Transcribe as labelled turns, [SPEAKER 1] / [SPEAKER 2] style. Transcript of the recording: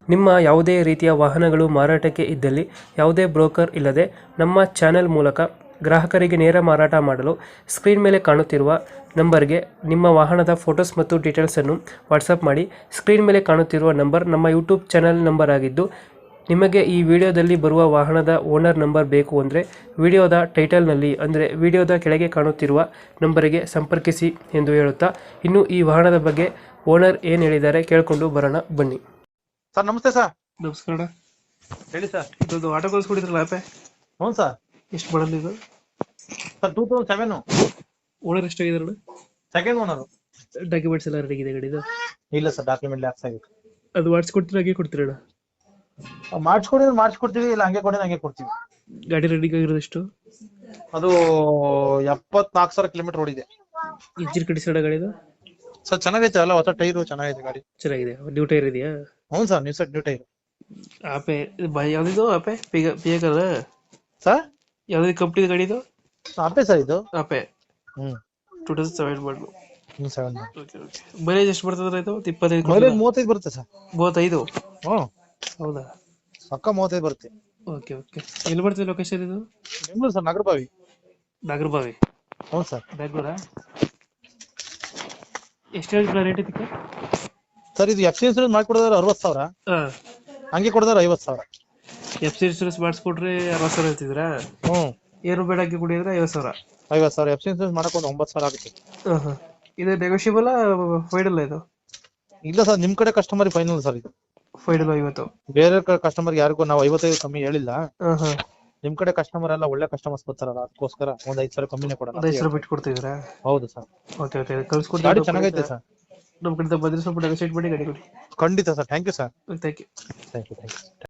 [SPEAKER 1] ನಿಮ್ಮ ಯಾವುದೇ ರೀತಿಯ ವಾಹನಗಳು ಮಾರಾಟಕ್ಕೆ ಇದ್ದಲ್ಲಿ ಯಾವುದೇ ಬ್ರೋಕರ್ ಇಲ್ಲದೆ ನಮ್ಮ ಚಾನೆಲ್ ಮೂಲಕ ಗ್ರಾಹಕರಿಗೆ ನೇರ ಮಾರಾಟ ಮಾಡಲು ಸ್ಕ್ರೀನ್ ಮೇಲೆ ಕಾಣುತ್ತಿರುವ ನಂಬರ್ಗೆ ನಿಮ್ಮ ವಾಹನದ ಫೋಟೋಸ್ ಮತ್ತು ಡೀಟೇಲ್ಸನ್ನು ವಾಟ್ಸಪ್ ಮಾಡಿ. ಸ್ಕ್ರೀನ್ ಮೇಲೆ ಕಾಣುತ್ತಿರುವ ನಂಬರ್ ನಮ್ಮ ಯೂಟ್ಯೂಬ್ ಚಾನೆಲ್ ನಂಬರ್ ಆಗಿದ್ದು, ನಿಮಗೆ ಈ ವಿಡಿಯೋದಲ್ಲಿ ಬರುವ ವಾಹನದ ಓನರ್ ನಂಬರ್ ಬೇಕು ಅಂದರೆ ವಿಡಿಯೋದ ಟೈಟಲ್ನಲ್ಲಿ ಅಂದರೆ ವಿಡಿಯೋದ ಕೆಳಗೆ ಕಾಣುತ್ತಿರುವ ನಂಬರಿಗೆ ಸಂಪರ್ಕಿಸಿ ಎಂದು ಹೇಳುತ್ತಾ, ಇನ್ನು ಈ ವಾಹನದ ಬಗ್ಗೆ ಓನರ್ ಏನು ಹೇಳಿದ್ದಾರೆ ಕೇಳಿಕೊಂಡು ಬರೋಣ ಬನ್ನಿ.
[SPEAKER 2] ಸರ್ ನಮಸ್ತೆ ಸರ್.
[SPEAKER 1] ನಮಸ್ಕಾರ.
[SPEAKER 2] ಹೇಳಿ ಸರ್.
[SPEAKER 1] ಇದೊಂದು ಆಟೋ ಕಳಿಸ್ಕೊಡಿದ್ರಲ್ಲ ಆಪೆ,
[SPEAKER 2] ಹ್ಞೂ ಸರ್.
[SPEAKER 1] ಎಷ್ಟು ಮಾಡಲ್ ಇದು?
[SPEAKER 2] ಸರ್ 2007
[SPEAKER 1] ಓನರ್ ಎಷ್ಟಾಗಿದ್ದಾರೆ?
[SPEAKER 2] Second owner.
[SPEAKER 1] ಡಾಕ್ಯುಮೆಂಟ್ಸ್ ಎಲ್ಲ ರೆಡಿ ಇದೆ ಗಾಡಿದು?
[SPEAKER 2] ಇಲ್ಲ ಸರ್, ಡಾಕ್ಯುಮೆಂಟ್ ಲ್ಯಾಪ್ಸ್ ಆಗಿತ್ತು.
[SPEAKER 1] ಅದು ಮಾಡಿಸ್ಕೊಡ್ತೀರಾ ಹಾಗೆ ಕೊಡ್ತೀರಣ್ಣ?
[SPEAKER 2] ಮಾಡಿಸ್ಕೊಡ್ತೀವಿ, ಇಲ್ಲ ಹಂಗೆ ಕೊಡಿ ಹಂಗೆ ಕೊಡ್ತೀವಿ.
[SPEAKER 1] ಗಾಡಿ ರೆಡಿ ಆಗಿರೋದು ಎಷ್ಟು?
[SPEAKER 2] ಅದು 74,000 ಕಿಲೋಮೀಟರ್ ಓಡಿದೆ.
[SPEAKER 1] ಇಂಜಿನ್ ಕಂಡೀಷನ್ ಗಾಡಿದು?
[SPEAKER 2] ಸರ್ ಚೆನ್ನಾಗೈತೆ, ಅಲ್ಲ ಹೊಸ ಟೈರು ಚೆನ್ನಾಗೈತೆ ಗಾಡಿ.
[SPEAKER 1] ಚೆನ್ನಾಗಿದೆ. ನ್ಯೂ ಟೈರ್ ಇದೆಯಾ?
[SPEAKER 2] ಹ್ಞೂ ಸರ್, ನ್ಯೂ ಟೈರ್.
[SPEAKER 1] ಆಪೆ ಯಾವ್ದಿದು? ಆಪೆ ಪಿಯಕರ್
[SPEAKER 2] ಸರ್
[SPEAKER 1] ಯಾವ್ದು ಕಂಪ್ನಿ ಗಾಡಿದು?
[SPEAKER 2] ಆಪೆ ಸರ್ ಇದು.
[SPEAKER 1] ಆಪೆ
[SPEAKER 2] ಹ್ಮ್
[SPEAKER 1] 2007 ಮಾಡಲು.
[SPEAKER 2] 7
[SPEAKER 1] ಮೈಲೇಜ್ ಎಷ್ಟು ಬರ್ತದೆ ಇದು? 25?
[SPEAKER 2] ಮೈಲೇಜ್ 35 ಬರುತ್ತೆ ಸರ್.
[SPEAKER 1] 35?
[SPEAKER 2] ಹ್ಞೂ
[SPEAKER 1] ಹೌದಾ?
[SPEAKER 2] ಪಕ್ಕ 35 ಬರುತ್ತೆ.
[SPEAKER 1] ಓಕೆ. ಎಲ್ಲಿ ಬರ್ತದೆ ಲೊಕೇಶನ್ ಇದು?
[SPEAKER 2] ಬೆಂಗಳೂರು ಸರ್, ನಾಗರಬಾವಿ.
[SPEAKER 1] ನಾಗರಬಾವಿ?
[SPEAKER 2] ಹ್ಞೂ ಸರ್.
[SPEAKER 1] ಬೆಂಗಳೂರಾ? ಎಷ್ಟು ಹೇಳ್ತೀರಾ ರೇಟ್ ಇದಕ್ಕೆ?
[SPEAKER 2] ಸರ್ ಇದು FC ಇನ್ಸೂರೆನ್ಸ್ ಮಾಡ್ಕೊಡೋದಾರೆ 60,000, ಹಂಗೆ ಕೊಡೋದಾರೆ 50,000.
[SPEAKER 1] FC insurance ಮಾಡಿಸ್ಕೊಟ್ರೆ 60,000 ಹೇಳ್ತಿದ್ರಾ?
[SPEAKER 2] ಹ್ಞೂ.
[SPEAKER 1] ಏನು ಬೇಡ ಹಾಕಿ ಕುಡಿದ್ರೆ 50,000?
[SPEAKER 2] 50,000. FC ಇನ್ಸೂರೆನ್ಸ್ ಮಾಡಕೊಂಡು 9,000 ಆಗುತ್ತೆ.
[SPEAKER 1] ಇದು ನೆಗೋಷಿಯಬಲ್ ಫೈನಲ್? ಇದು
[SPEAKER 2] ಇಲ್ಲ ಸರ್, ನಿಮ್ ಕಡೆ ಕಸ್ಟಮರ್ ಫೈನಲ್ ಸರ್. ಇದು
[SPEAKER 1] ಫೈನಲ್ 50?
[SPEAKER 2] ಬೇರೆ ಕಸ್ಟಮರ್ ಯಾರಿಗೂ ನಾವು 55 ಕಮ್ಮಿ ಹೇಳಿಲ್ಲ. ನಿಮ್ ಕಡೆ ಕಸ್ಟಮರ್ ಎಲ್ಲ ಒಳ್ಳೆ ಕಸ್ಟಮರ್ಸ್ ಬರ್ತಾರಲ್ಲ, ಅದಕ್ಕೋಸ್ಕರ ಒಂದ್ 5,000 ಕಮ್ಮಿನೇ ಕೊಡೋಣ.
[SPEAKER 1] 5,000 ಬಿಟ್ಟು ಕೊಡ್ತಿದ್ದೀರಾ?
[SPEAKER 2] ಹೌದು ಸರ್.
[SPEAKER 1] ಓಕೆ. ಕಳ್ಸ್ಕೊಡ್ತೀನಿ.
[SPEAKER 2] ಗಾಡಿ ಚೆನ್ನಾಗೈತೆ ಸರ್.
[SPEAKER 1] ನಮ್ಮ ಕಡೆ ಬಂದ್ರೆ ಸ್ವಲ್ಪ ನೆಗೋಷಿಯೇಟ್ ಮಾಡಿ ಗಾಡಿ ಕೊಡಿ.
[SPEAKER 2] ಖಂಡಿತ sir. Thank you sir.
[SPEAKER 1] Thank you.
[SPEAKER 2] Thank you.